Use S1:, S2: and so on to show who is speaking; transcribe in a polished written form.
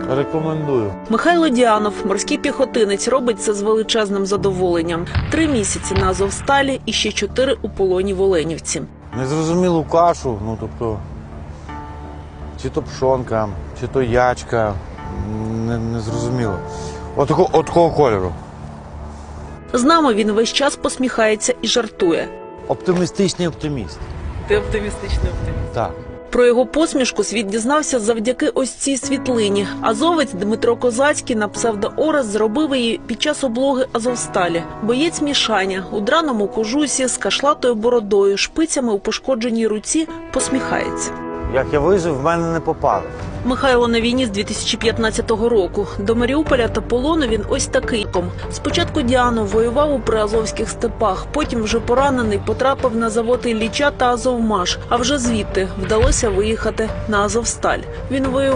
S1: Рекомендую.
S2: Михайло Діанов, морський піхотинець, робить це з величезним задоволенням. 3 місяці на Азовсталі і ще 4 у полоні в Оленівці.
S1: Незрозумілу кашу, тобто, чи то пшонка, чи то ячка, незрозуміло. От такого кольору.
S2: З нами він весь час посміхається і жартує.
S1: Оптимістичний оптиміст.
S2: Ти оптимістичний оптиміст.
S1: Так.
S2: Про його посмішку світ дізнався завдяки ось цій світлині. Азовець Дмитро Козацький на псевдо-Орес зробив її під час облоги Азовсталі. Боєць Мішаня у драному кожусі з кашлатою бородою, шпицями у пошкодженій руці посміхається.
S1: Як я вижив, в мене не попали.
S2: Михайло на війні з 2015 року. До Маріуполя та полону він ось такий. Спочатку Діанов воював у приазовських степах, потім вже поранений потрапив на завод Ілліча та Азовмаш, а вже звідти вдалося виїхати на Азовсталь. Він воював